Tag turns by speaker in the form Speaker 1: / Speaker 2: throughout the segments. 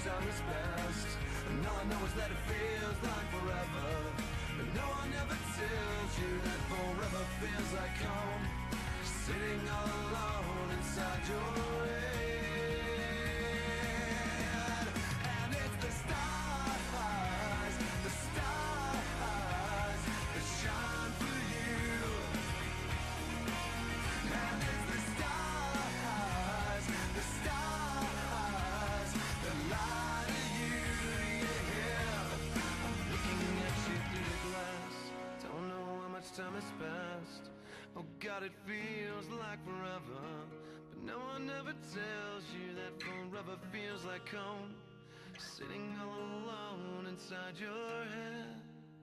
Speaker 1: time is best. And all I know is that it feels like forever, but no one ever tells you that forever feels like home, sitting all alone inside your head. And it's the stars that shine for you. And it's the stars that lie to you, yeah. I'm looking at you through the glass, don't know how much time has passed. Oh God, it feels like forever, but no one ever tells you that forever feels like home, sitting all alone inside your head.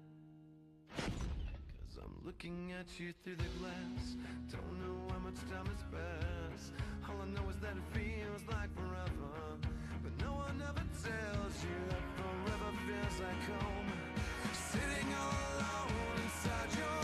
Speaker 1: 'Cause I'm looking at you through the glass, don't know how much time has passed. All I know is that it feels like forever, but no one ever tells you that forever feels like home, sitting all alone inside your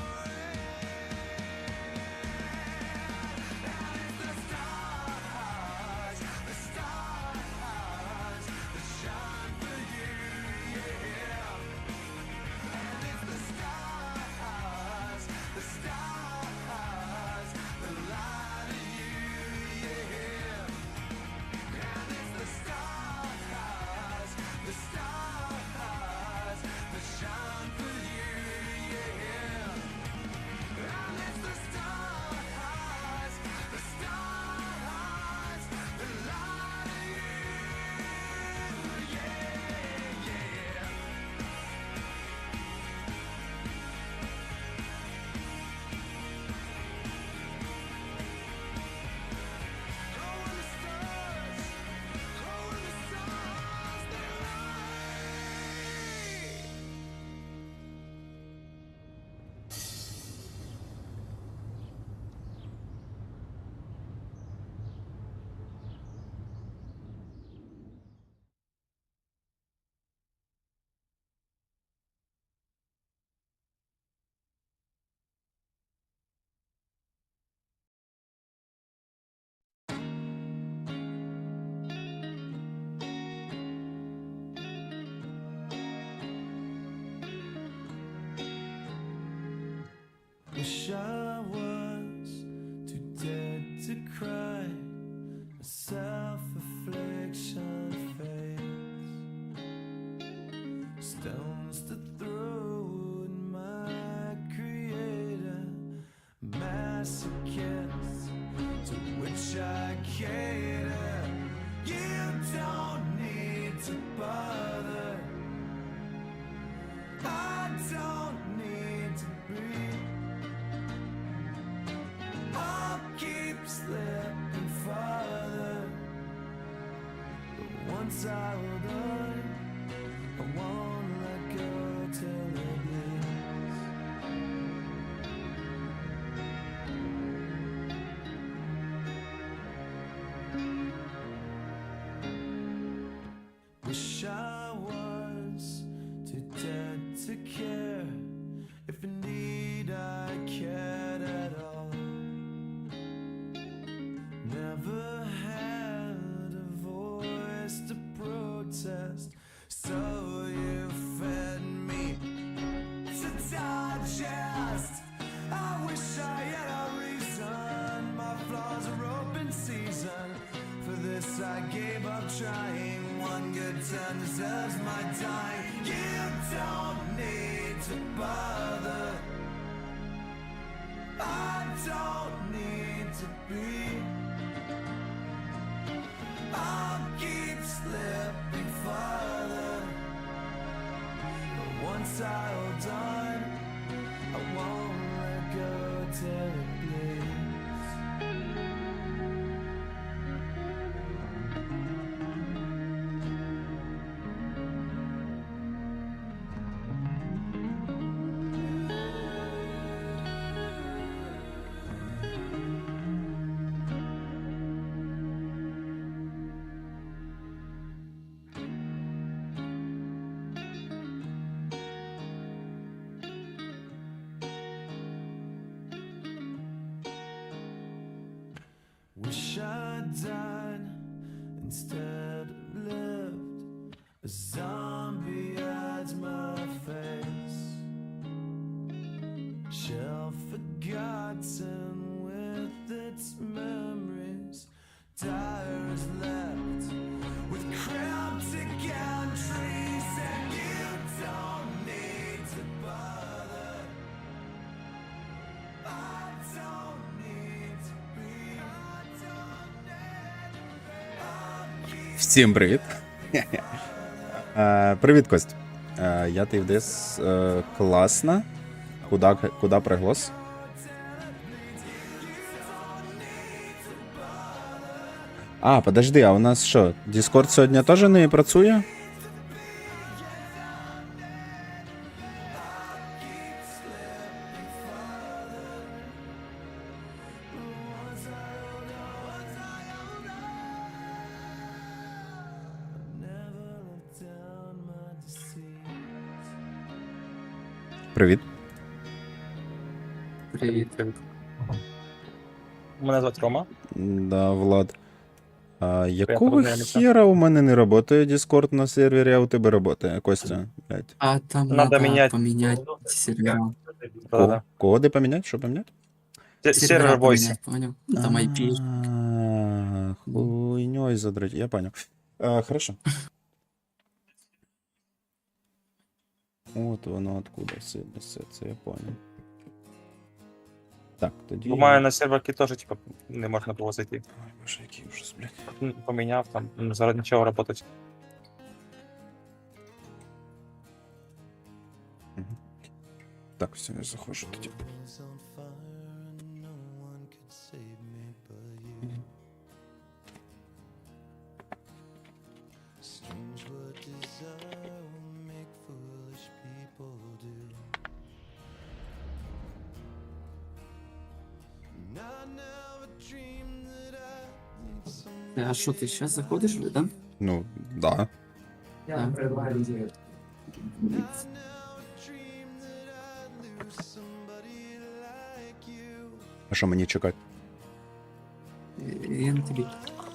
Speaker 1: wish I was too dead to cry, a self-affliction fades, stones to throw at my creator, masochists to which I cater. You don't need to bother, I don't need to breathe, I'll keep slipping farther, but once I hold on, I won't let go till it bleeds. Wish I was too dead to care, if indeed I cared at all. Never had a voice to protest, so you fed me to digest. I wish I had a reason, my flaws are open season. For this I gave up trying, one good turn deserves my time. You don't need to bother, I don't need to be, I'll keep slipping farther, but once I hold on, I won't let go till it bleeds. Wish I died instead of lived, zombie hides my face. Shelf forgotten with its memories. Tires left with cryptic entries, and you don't need to bother. I don't need to be.
Speaker 2: Всім привіт. Привіт, Кость. Я ти вдес. Класно. Куда приглас? А, подожди, а у нас що? Discord сьогодні теж не працює? Привіт.
Speaker 3: Привіт. Мене звати Рома.
Speaker 2: Да, Влад. Якого
Speaker 3: познайомитися.
Speaker 2: хера у мене не працює Discord на сервері, а у тебе працює, Костя? Блядь.
Speaker 3: А там
Speaker 4: Надо менять.
Speaker 3: поменять сервера.
Speaker 4: Да-да.
Speaker 2: Коди поміняти? Що поміняти?
Speaker 4: Сервер Voice.
Speaker 3: поменять, понял? Ну, там IP.
Speaker 2: Хуйней задрать, я понял. Хорошо. Вот воно откуда все несеться, я понял. Так, тоді...
Speaker 4: Бо маю на серверки теж, типа, не можна було зайти.
Speaker 2: Ой, боже, який ужас, блядь.
Speaker 4: Поміняв, там, зараз нічого работать.
Speaker 2: Так, все, я заходжу тоді.
Speaker 3: А що, ти зараз заходиш, да?
Speaker 2: Ну, да.
Speaker 3: Да.
Speaker 2: А що мені чекати?
Speaker 3: Я на тобі.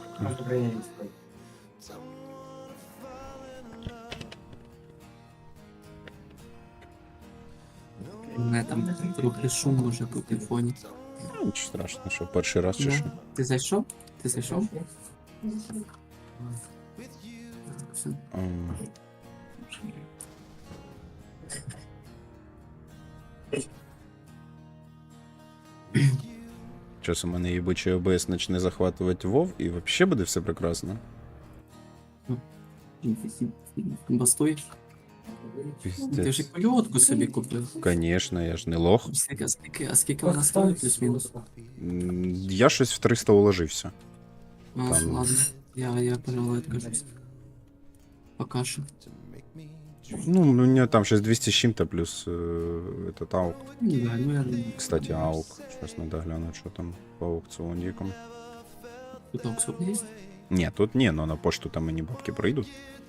Speaker 3: У мене там трохи шум може бути в фоні.
Speaker 2: Ну, нічого страшного, що перший раз чи
Speaker 3: Да.
Speaker 2: що.
Speaker 3: Ти зайшов? Ти зайшов? Все.
Speaker 2: Зараз у мене їбучий ОБС почне захватувати WoW, і взагалі буде все прекрасно.
Speaker 3: Бастуєш? Ти вже
Speaker 2: Пиздець.
Speaker 3: кольотку собі купив.
Speaker 2: Конечно, я ж не лох.
Speaker 3: А скільки вона стоїть плюс-мінус?
Speaker 2: Я щось в 300 уложився.
Speaker 3: А,
Speaker 2: Там.
Speaker 3: ладно. Я, пожалуй, откажусь. Пока що.
Speaker 2: Ну, у меня там сейчас 200 с чем-то, плюс этот аук.
Speaker 3: Ну, да, ну я думаю,
Speaker 2: Кстати, аук. Сейчас надо глянуть, что там по аукционникам.
Speaker 3: тут аукцион є?
Speaker 2: Не, тут не, но на почту там и не бабки пройдут.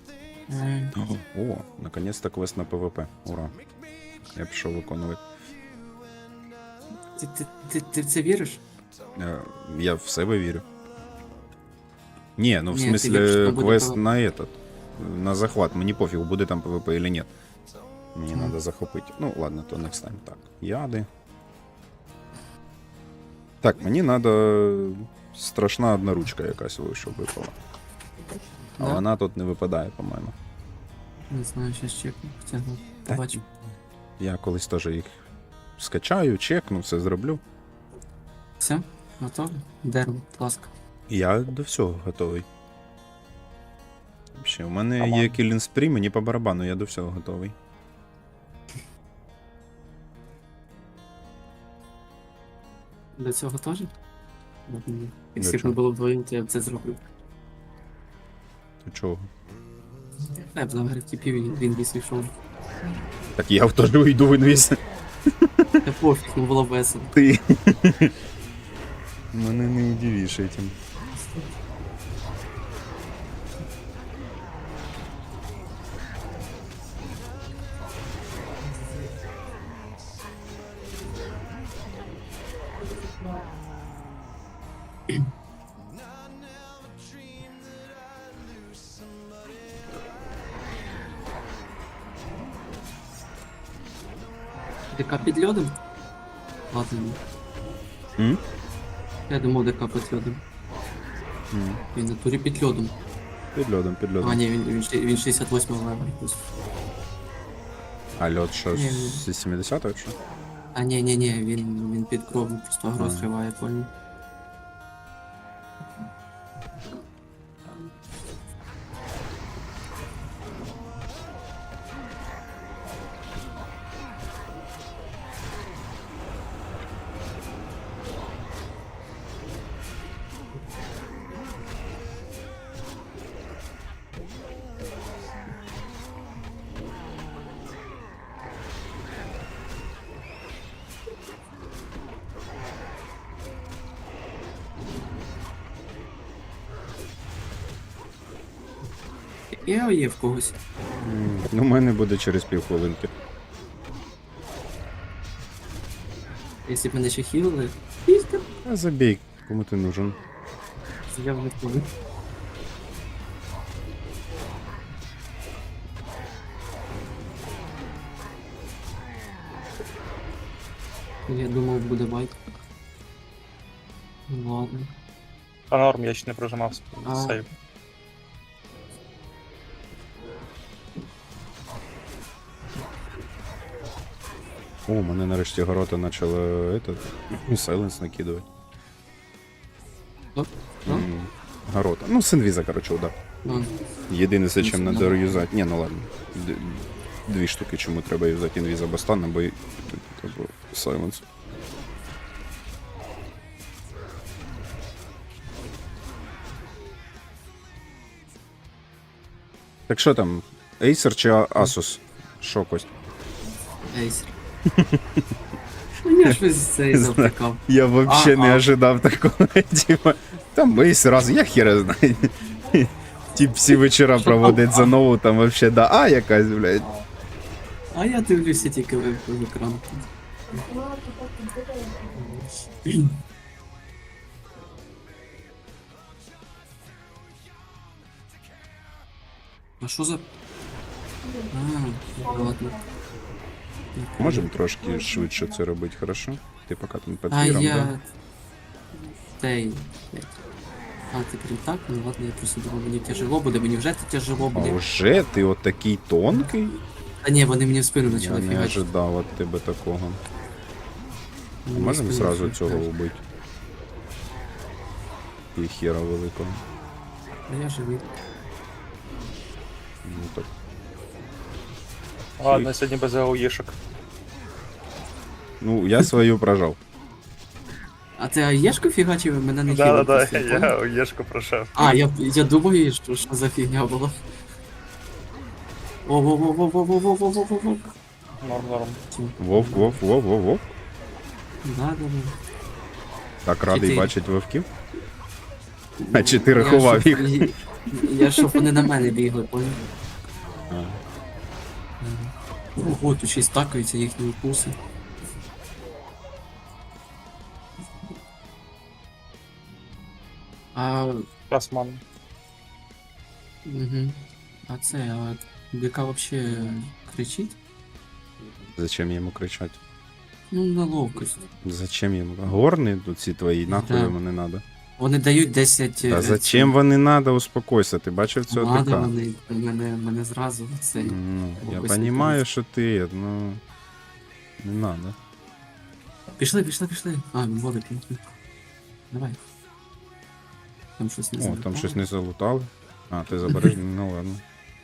Speaker 2: О, наконец-то квест на ПВП. Ура. Я пішов виконувати.
Speaker 3: Ти в це віриш?
Speaker 2: Я в себе вірю. Не, ну в
Speaker 3: Ні, ти віриш,
Speaker 2: смысле
Speaker 3: що буде
Speaker 2: квест
Speaker 3: PvP.
Speaker 2: на этот. На захват. Мені пофіг, буде там ПВП или нет. Мені надо захопити. Ну, ладно, то next time. Так, яди. Так, мені надо страшна одна ручка якась вийшов випала. А
Speaker 3: Да?
Speaker 2: вона тут не випадає, по-моєму.
Speaker 3: Не знаю, щас чекну. Хоча, ну,
Speaker 2: Та
Speaker 3: побачу.
Speaker 2: Я колись теж їх скачаю, чекну, все зроблю.
Speaker 3: Все? Готово? Дерево, будь ласка.
Speaker 2: Я до всього готовий. Ще, у мене
Speaker 4: Ага.
Speaker 2: є Killing Spree, мені по барабану, я до всього готовий.
Speaker 3: До цього теж?
Speaker 2: До
Speaker 3: Якщо б
Speaker 2: чого?
Speaker 3: не було вдвоєм, то я б це зробив.
Speaker 2: Ти чого?
Speaker 3: Я б заграв тіпів, і він віз йшов.
Speaker 2: Так я в теж уйду в інвіз.
Speaker 3: Та пофіг, не було весело.
Speaker 2: Ти. Мене не удивиш этим.
Speaker 3: ДК під льодом? Ладно.
Speaker 2: М?
Speaker 3: Я думав, ДК під льодом.
Speaker 2: М.
Speaker 3: Він на турі під льодом.
Speaker 2: Під льодом, під
Speaker 3: А,
Speaker 2: льодом.
Speaker 3: ні, він 68 левел.
Speaker 2: А льод що,
Speaker 3: Ні,
Speaker 2: з 70-го чи?
Speaker 3: А, ні, він під кровом просто агро
Speaker 2: Ага.
Speaker 3: зриває, понял. Я є в когось.
Speaker 2: Ну, у мене буде через півхвилинки.
Speaker 3: Якщо б мене ще хілили, пізка.
Speaker 2: А забій, кому ти нужен.
Speaker 3: Я в них буду. Я думав, буде байк. Ну ладно.
Speaker 4: Та норм, я ще не прожимав
Speaker 3: А.
Speaker 4: сейв.
Speaker 2: О, мене нарешті горота почало этот, сайленс накидувати.
Speaker 3: Оп, ну,
Speaker 2: Горота. Ну, синвіза, короче, удар.
Speaker 3: ну,
Speaker 2: Єдине, за чим
Speaker 3: Ну,
Speaker 2: треба
Speaker 3: ну.
Speaker 2: юзати. Ні, ну ладно. Дві штуки, чому треба юзати інвіз або стан, або сайленс. Так що там, Acer чи Asus? Що, Кость?
Speaker 3: ейсер. Ну я щось цей завтикав.
Speaker 2: Я вообще
Speaker 3: А,
Speaker 2: не
Speaker 3: а.
Speaker 2: ожидав такого. Типа, там Acer раз, я хіра знаю. Тип всі вечора проводить за нову, там вообще да, а якась, блядь.
Speaker 3: А я дивлюся тільки в екран. А що за... А, ладно.
Speaker 2: Можемо трошки швидше це робити, хорошо? Ти поки там під
Speaker 3: А
Speaker 2: піром, да?
Speaker 3: я... Тей. А, ти прям так? Ну ладно, я просто думав, мені тяжело буде, мені вже тяжело
Speaker 2: А
Speaker 3: буде.
Speaker 2: вже ти от такий тонкий?
Speaker 3: Та ні, вони мені в спину
Speaker 2: Я
Speaker 3: почали
Speaker 2: не
Speaker 3: фігачити.
Speaker 2: ожидав від тебе такого.
Speaker 3: Вони в
Speaker 2: Можемо
Speaker 3: спину
Speaker 2: зразу
Speaker 3: почали
Speaker 2: цього
Speaker 3: фігачити.
Speaker 2: вбити? І хера великого.
Speaker 3: А я живий.
Speaker 2: Ну так.
Speaker 4: Ладно, я сьогодні без АОЄшок.
Speaker 2: Ну, я свою прожав.
Speaker 3: А ти аєшку фігачив, мене не
Speaker 4: Да,
Speaker 3: хілив.
Speaker 4: да,
Speaker 3: просто,
Speaker 4: я
Speaker 3: понял?
Speaker 4: АОЄшку пройшов.
Speaker 3: А, я думаю, що за фігня була. Во-во-во-во-во-во-во-во-во-во.
Speaker 4: Норм.
Speaker 2: Вовк.
Speaker 3: Да.
Speaker 2: Так радий
Speaker 3: Чотири.
Speaker 2: бачити вовків. А чи ти рахував їх?
Speaker 3: Я щоб вони на мене бігли, понял?
Speaker 2: А.
Speaker 3: Ого, тут ще й стакаються їхні укуси. А,
Speaker 4: Красман.
Speaker 3: угу. А це, а ДК вообще кричить?
Speaker 2: Зачем йому кричати?
Speaker 3: Ну, на ловкость.
Speaker 2: Зачем йому? Горни тут ці твої, нахуй
Speaker 3: Да.
Speaker 2: йому не надо.
Speaker 3: Вони дають 10...
Speaker 2: Та зачем вони надо, успокойся, ти бачив цього
Speaker 3: Надо
Speaker 2: ДК?
Speaker 3: вони, мене зразу цей.
Speaker 2: Ну, я
Speaker 3: Ось
Speaker 2: понимаю,
Speaker 3: не
Speaker 2: що ти, ну... Не надо.
Speaker 3: Пішли. А, він водить. Давай. Там щось не
Speaker 2: О,
Speaker 3: залетало.
Speaker 2: там щось не залутали. А, ти забереш? Ну ладно.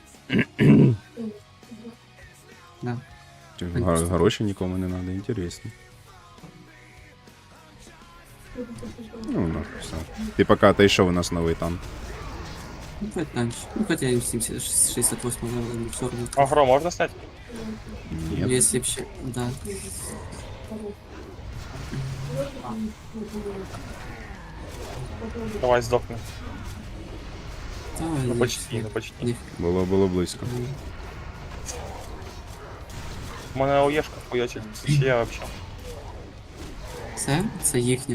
Speaker 3: Да.
Speaker 2: Ті Гроші нікому не надо, інтересно. Ну, нахуй все. Ти поки отойшов, у нас новий танк.
Speaker 3: Ну, давай дальше. Ну, хотя и 68 левел, все равно.
Speaker 4: Агро можна снять?
Speaker 2: Ні.
Speaker 3: Если вообще, да.
Speaker 4: Давай здохни.
Speaker 3: Давай,
Speaker 4: Ну
Speaker 3: я
Speaker 4: почти,
Speaker 3: всё.
Speaker 4: ну почти.
Speaker 3: Ні.
Speaker 2: Було близько.
Speaker 4: У мене АОЄшка хуячить. Це ще я вообще.
Speaker 3: Це їхнє.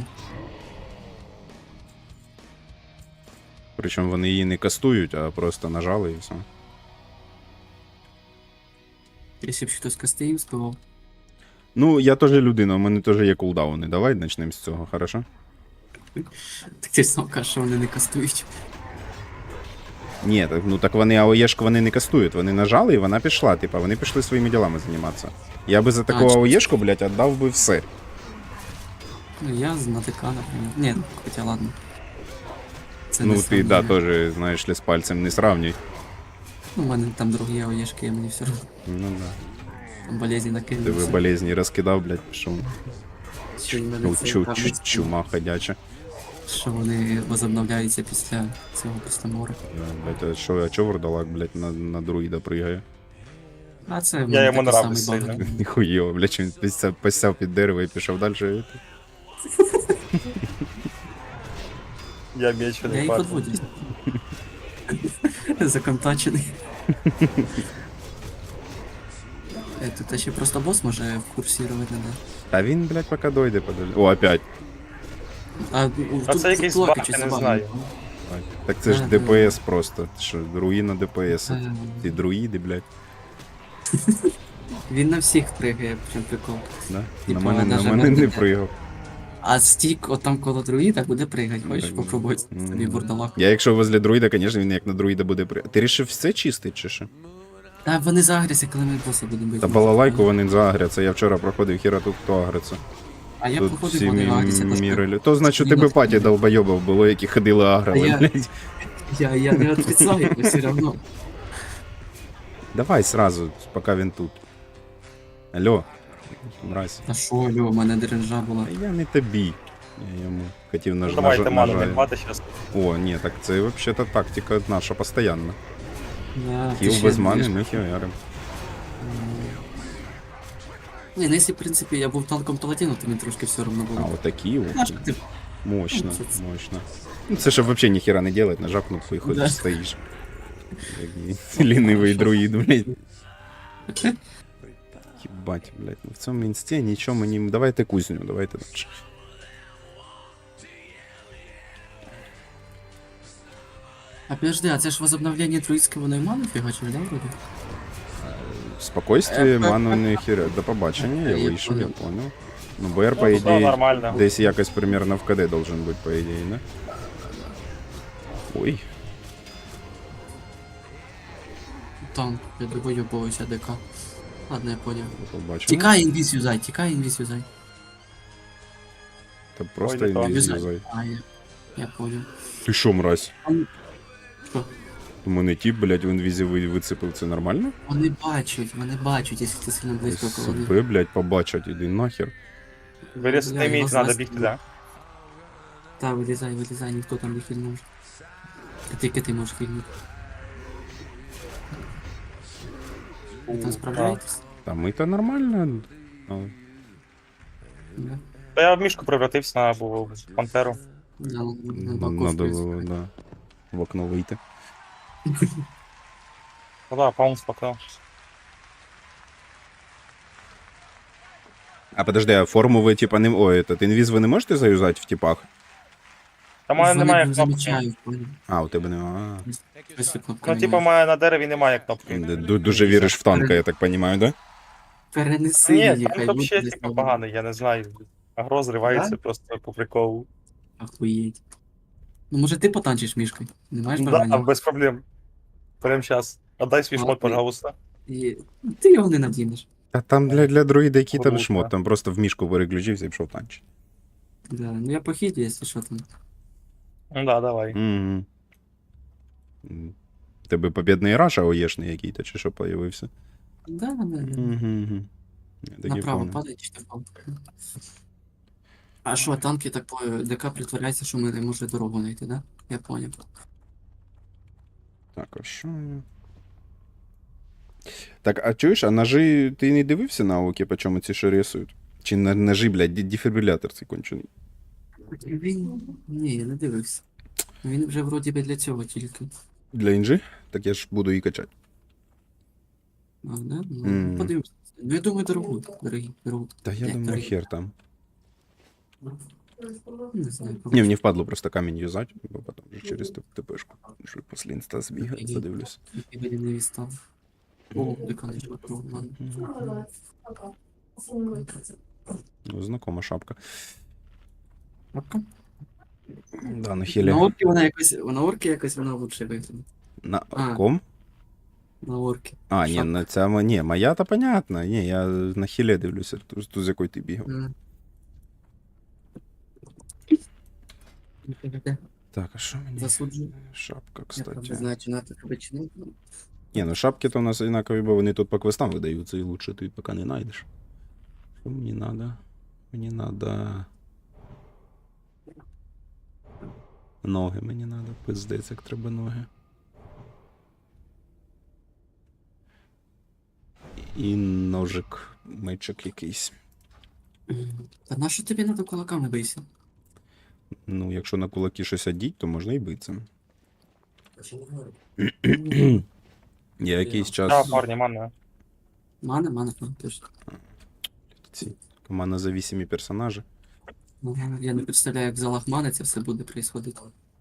Speaker 2: Причому вони її не кастують, а просто нажали і все.
Speaker 3: Якщо б хтось костей спивав.
Speaker 2: Ну, я теж людина, у мене теж є кулдауни. Давай почнемо з цього, хорошо?
Speaker 3: Так ти ж сам кажеш, що вони не кастують.
Speaker 2: Ні, так, ну так вони АОЄшку вони не кастують. Вони нажали і вона пішла. Типа, вони пішли своїми ділами займатися. Я би за таку
Speaker 3: чи-
Speaker 2: АОЄшку, блядь, віддав би все.
Speaker 3: Ну, я з НАТК, наприклад. Ні, ну, хоча ладно. Це
Speaker 2: Ну
Speaker 3: не
Speaker 2: ти, да,
Speaker 3: сравнення.
Speaker 2: теж, знаєш ли, з пальцем не сравнюй.
Speaker 3: Ну, у мене там другі ОЄшки, мені все одно.
Speaker 2: Ну да.
Speaker 3: Там болезні
Speaker 2: Ти
Speaker 3: накинули.
Speaker 2: ви болезні розкидав, блядь, пішов.
Speaker 3: Що, в мене це кажуть,
Speaker 2: Чума ходяча.
Speaker 3: що вони возобновляються після цього, після моря.
Speaker 2: Блядь, а чо вурдалак, блядь, на друїда пригає?
Speaker 3: А це в
Speaker 4: Я
Speaker 3: мене
Speaker 4: йому
Speaker 3: такий
Speaker 4: нравлюсь
Speaker 3: самий
Speaker 4: сильно.
Speaker 3: баг.
Speaker 2: Ніхуєво, блядь, він посяв під дерево і пішов далі.
Speaker 4: Я
Speaker 3: Я
Speaker 4: мечений
Speaker 3: їх
Speaker 4: парень.
Speaker 3: подводю. Законтачений. Тут ще просто босс може курсувати надо.
Speaker 2: Та він, блядь, поки дойде подалі. О, опять.
Speaker 3: А,
Speaker 4: це якийсь баг, я не знаю.
Speaker 2: Так це ж
Speaker 3: Ага.
Speaker 2: ДПС просто. Ти що, руїна ДПС.
Speaker 3: Ага.
Speaker 2: Ті друїди, блядь.
Speaker 3: Він на всіх пригає, прям прикол.
Speaker 2: Да?
Speaker 3: Типа,
Speaker 2: На
Speaker 3: даже
Speaker 2: мене не
Speaker 3: медика.
Speaker 2: пригав.
Speaker 3: А стік от там коло друїда буде пригати. Хочеш
Speaker 2: Так.
Speaker 3: попробувати собі бурдалак?
Speaker 2: Я якщо возле друїда, звісно, він як на друїда буде пригати. Ти рішив все чистить чи що?
Speaker 3: Та вони загряться, коли ми боса будемо бити.
Speaker 2: Та балалайку вони заагряться. Я вчора проходив, хіра тут хто агриться.
Speaker 3: А я
Speaker 2: Тут
Speaker 3: походу
Speaker 2: всі
Speaker 3: вони агряться.
Speaker 2: міри. То значить у тебе паті долбойобів було, які ходили аграли,
Speaker 3: я-
Speaker 2: блядь.
Speaker 3: Я не отрицаю, но все равно.
Speaker 2: Давай сразу, поки він тут. Алло, мразь.
Speaker 3: А шо, Льо, у мене дренжа була.
Speaker 2: А я не тобі. Я йому хотів
Speaker 4: Ну, давайте ману
Speaker 2: нажати.
Speaker 4: відбати зараз.
Speaker 2: О, ні, так це взагалі тактика наша постійна.
Speaker 3: Я
Speaker 2: Кіл
Speaker 3: ще
Speaker 2: без мани,
Speaker 3: більш-
Speaker 2: ми хіарим.
Speaker 3: Ні, ну якщо, в принципі, я був танком паладіну, то мені трошки все одно
Speaker 2: А,
Speaker 3: було.
Speaker 2: отакі,
Speaker 3: Знаєш, ти
Speaker 2: мощно,
Speaker 3: Ну, це-
Speaker 2: мощно. Ну це щоб взагалі ніхіра не делать, нажав кнопку і ходиш,
Speaker 3: Да.
Speaker 2: стоїш. Який лінивий друїд, блядь. Єбать, блядь, ну в цьому інсті нічого мені... Давайте кузню, давайте дальше.
Speaker 3: А подожди, а це ж возобновлення друїдського найману фігачили, да, вроді?
Speaker 2: Спокойствие, ману не хіра. До побачення, я
Speaker 3: Я
Speaker 2: вийшов, я
Speaker 3: понял.
Speaker 2: понял. Ну, БР, по
Speaker 4: Ну, все
Speaker 2: ідеї,
Speaker 4: нормально.
Speaker 2: десь якось примерно в КД должен бути, по ідеї, да? Ой,
Speaker 3: Танк, я довойобовуюся ДК. Ладно, я понял.
Speaker 2: побачимо.
Speaker 3: Тікай інвіз юзай, тікай інвіз юзай.
Speaker 2: Та просто
Speaker 4: Ой, не то.
Speaker 2: інвіз
Speaker 3: Юзай.
Speaker 2: юзай.
Speaker 3: А, я понял.
Speaker 2: Ти що, мразь?
Speaker 3: Що?
Speaker 2: У мене тіп, блядь, в інвізі вицепив, це нормально?
Speaker 3: Вони бачать, якщо ти сильно близько коло них.
Speaker 2: Себе, блядь, побачать, іди нахер.
Speaker 4: Вирізати
Speaker 3: Я
Speaker 4: міць,
Speaker 3: його
Speaker 4: треба
Speaker 3: знаю.
Speaker 4: бігти, да?
Speaker 3: Та, вилізай, ніхто там не хильнув. Тільки ти можеш хильнути. Ви там справляєтесь?
Speaker 2: Та ми-то нормально. Ну,
Speaker 3: Да.
Speaker 4: Та я в мішку превратився на пантеру.
Speaker 3: Да, на
Speaker 2: надо
Speaker 3: боковку.
Speaker 2: було, да, в окно вийти.
Speaker 4: Ну да, паунс поклав.
Speaker 2: А подожди, а форму ви, типа, не... Ой, этот інвіз ви не можете заюзати в типах?
Speaker 4: Та в мене
Speaker 3: Вони
Speaker 4: немає
Speaker 3: не
Speaker 4: кнопки.
Speaker 3: замічають, понял?
Speaker 2: А, у тебе нема.
Speaker 3: Ось ця кнопка
Speaker 4: Ну,
Speaker 3: немає.
Speaker 4: типа, в мене на дереві немає кнопки.
Speaker 2: Дуже віриш в танка, я так розумію, да?
Speaker 3: Перенеси
Speaker 4: Ні,
Speaker 3: її,
Speaker 4: там
Speaker 3: хай
Speaker 4: взагалі,
Speaker 3: буде
Speaker 4: типа,
Speaker 3: десь
Speaker 4: поганий, я не знаю. Агро зривається
Speaker 3: Да?
Speaker 4: просто по приколу.
Speaker 3: Охуєть. Ну, може ти потанчиш мішкою? Не маєш
Speaker 4: Да,
Speaker 3: бажання?
Speaker 4: без проблем. Прям сейчас. Отдай свій шмот,
Speaker 3: Ладно.
Speaker 4: пожалуйста.
Speaker 3: І... Ти його не надінеш.
Speaker 2: Та там для друїда який там
Speaker 4: Круто.
Speaker 2: шмот, там просто в мішку переключився і пішов танчить.
Speaker 3: Да. Ну я похід, якщо що там.
Speaker 4: Ну да, давай.
Speaker 2: Угу. Тебе побідний раш АОЄшний який-то, чи що появився?
Speaker 3: Да.
Speaker 2: Угу.
Speaker 3: Направо падає чи впав. А що, танки так по ДК притворяються, що ми не можемо дорогу знайти, да? Я поняв.
Speaker 2: Так, а що? Так, а чуєш, а ножи ти не дивився на окі, по чому ці що рисують? Чи ножи, блядь, дефібрилятор цей кончений?
Speaker 3: Він. Ні, я не дивився. Він вже вроді би для цього тільки.
Speaker 2: Для інжи? Так я ж буду її качати.
Speaker 3: А, да? Ну,
Speaker 2: Мгм.
Speaker 3: подивимося. Ну, я думаю, дорогу.
Speaker 2: Та я
Speaker 3: Як
Speaker 2: думаю,
Speaker 3: дорогі?
Speaker 2: хер там.
Speaker 3: Не знаю.
Speaker 2: Не, мені впадло просто камінь юзати, бо потім вже через ТПшку. Що після інста збігати,
Speaker 3: Окей.
Speaker 2: подивлюсь.
Speaker 3: І не відстав. О, деканечка, ладно.
Speaker 2: Ну, знакома шапка.
Speaker 3: Шапка?
Speaker 2: Да, на хілі.
Speaker 3: На орки якось вона лучше виглядає.
Speaker 2: На
Speaker 3: А.
Speaker 2: ком?
Speaker 3: На орки.
Speaker 2: А, ні,
Speaker 3: Шапка.
Speaker 2: на ця ні, моя то понятно. Ні, я на хілі дивлюся, ту, з якою ти бігав. Так, а що мені?
Speaker 3: Засуджую.
Speaker 2: Шапка,
Speaker 3: Я правда
Speaker 2: кстати.
Speaker 3: знаю, чи надо тебе чи ні.
Speaker 2: Ні, ну шапки то у нас однакові, бо вони тут по квестам видаються, і лучше ти поки не знайдеш. Що мені надо? Мені надо... Ноги мені надо, пиздець, як треба ноги. І ножик, мечик якийсь.
Speaker 3: Та на що тобі надо кулаками бийся?
Speaker 2: Ну, якщо на кулаки щось одіть, то можна і битися. Я якийсь
Speaker 4: Да,
Speaker 2: час...
Speaker 4: парні, мана.
Speaker 3: Мана, точно.
Speaker 2: Ці командозависимі персонажі.
Speaker 3: Я не представляю, як в залах мани це все буде происходити.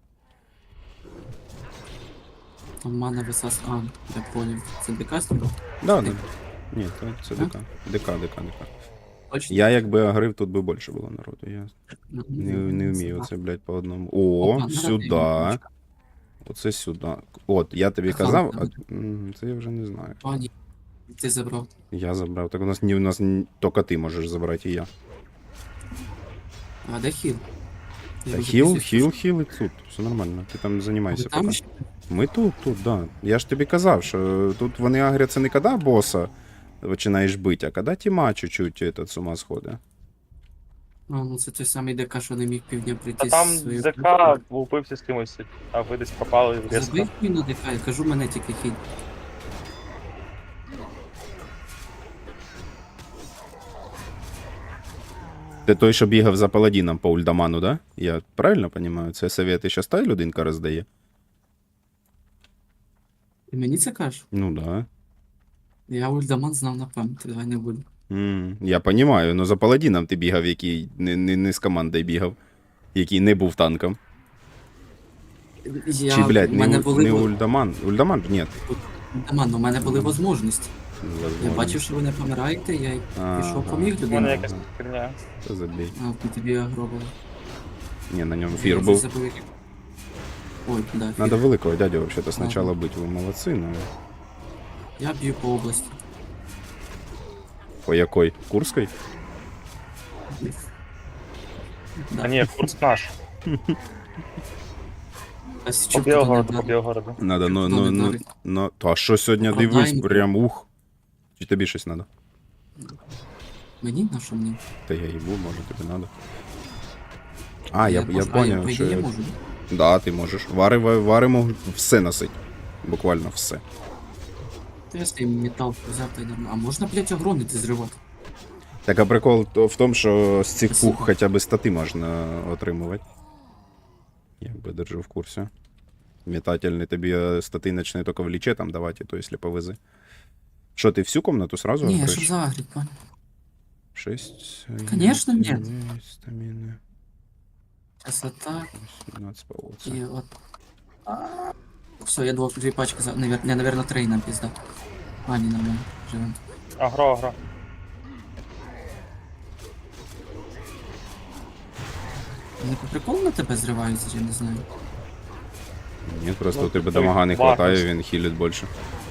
Speaker 3: Там мана висас... А, я понял. Це декастер?
Speaker 2: Да, да. Ні, це ДК. ДК.
Speaker 3: Точно?
Speaker 2: Я якби агрив, тут би більше було народу. Я не вмію
Speaker 3: це.
Speaker 2: оце, блядь, по одному. О,
Speaker 3: Опа,
Speaker 2: сюди.
Speaker 3: нарадив.
Speaker 2: Оце сюди. От, я тобі
Speaker 3: Ага,
Speaker 2: казав,
Speaker 3: ага.
Speaker 2: це я вже не знаю.
Speaker 3: Пані, ти забрав.
Speaker 2: Я забрав. Так у нас тільки ти можеш забрати, і я.
Speaker 3: А де хіл? Я
Speaker 2: Та
Speaker 3: вже
Speaker 2: хіл
Speaker 3: після-
Speaker 2: і тут. Все нормально. Ти там
Speaker 3: Ви
Speaker 2: займайся
Speaker 3: там
Speaker 2: поки.
Speaker 3: ще?
Speaker 2: Ми тут, да. Я ж тобі казав, що тут вони агряться не коли боса починаєш бити, а коли тіма чуть-чуть этот, з ума сходить.
Speaker 3: А, ну це той самий ДК, що не міг півдня прийти
Speaker 4: Та там
Speaker 3: з своєю
Speaker 4: ЗК
Speaker 3: групою.
Speaker 4: влупився з кимось, а ви десь пропали різко.
Speaker 3: Забив мій на ДК, я кажу, мене тільки хіль.
Speaker 2: Ти той, що бігав за паладіном по ульдаману, да? Я правильно розумію? Це совєти щас та людинка роздає?
Speaker 3: Ти мені це кажеш?
Speaker 2: Ну да.
Speaker 3: Я ульдаман знав на пам'ять, давай не буду.
Speaker 2: Я розумію, але за паладіном ти бігав, який не з командою бігав, який не був танком. Чи, блядь,
Speaker 3: у мене були
Speaker 2: не ульдаман? Ульдаман? Ні.
Speaker 3: ульдаман, у мене були можливості. Я
Speaker 2: Возможно.
Speaker 3: бачив, що ви не помираєте, я й
Speaker 2: Ага.
Speaker 3: пішов поміг
Speaker 4: У мене
Speaker 3: людині.
Speaker 4: якась херня.
Speaker 2: Це забій.
Speaker 3: А, тобі агро було.
Speaker 2: Ні, на ньому
Speaker 3: Я
Speaker 2: фір
Speaker 3: вже
Speaker 2: був.
Speaker 3: забув, як- Ой, да, фір.
Speaker 2: Надо великого дядю вообще-то сначала бить, ви молодці, ну.
Speaker 3: Я б'ю по області.
Speaker 2: По якой? Курській?
Speaker 3: Да.
Speaker 4: А ні, курс наш.
Speaker 3: А
Speaker 4: По
Speaker 3: Січук туди
Speaker 4: Білгороду,
Speaker 3: не
Speaker 4: по Білгороду.
Speaker 2: Надо,
Speaker 3: Ну, не дарить.
Speaker 2: а що сьогодні
Speaker 3: Оправдання.
Speaker 2: дивись, прям ух. Чи тобі щось надо?
Speaker 3: Мені на що мені?
Speaker 2: Та я їбу, може тобі надо. А, я
Speaker 3: можу-
Speaker 2: поняв,
Speaker 3: я,
Speaker 2: що...
Speaker 3: я можу.
Speaker 2: Да, ти можеш. Варимо все носить. Буквально все.
Speaker 3: Та я свій метал взяв та й нормально. А можна, блядь, огромити зривати?
Speaker 2: Так, а прикол в тому, що з цих
Speaker 3: Спасибо.
Speaker 2: пух хоча б стати можна отримувати. Якби держу в курсі. Метательний тобі стати почне тільки в ліче там давати, то якщо повези. Що, ти всю комнату сразу
Speaker 3: Ні,
Speaker 2: відкриєш?
Speaker 3: щоб загріть, пані.
Speaker 2: 6.
Speaker 3: Конечно, нет.
Speaker 2: Стаміни.
Speaker 3: Сейчас отак,
Speaker 2: 17 полоця.
Speaker 3: і от. Все, я дві пачки за... Наверное, 3 нам пізда. А, ні, нормально. Живем.
Speaker 4: Агро.
Speaker 3: Вони по приколу на тебе зриваються, я не знаю.
Speaker 2: Ні, просто
Speaker 4: Ну,
Speaker 2: у тебе
Speaker 4: той
Speaker 2: дамага не
Speaker 4: варто.
Speaker 2: хватає, він хілить більше.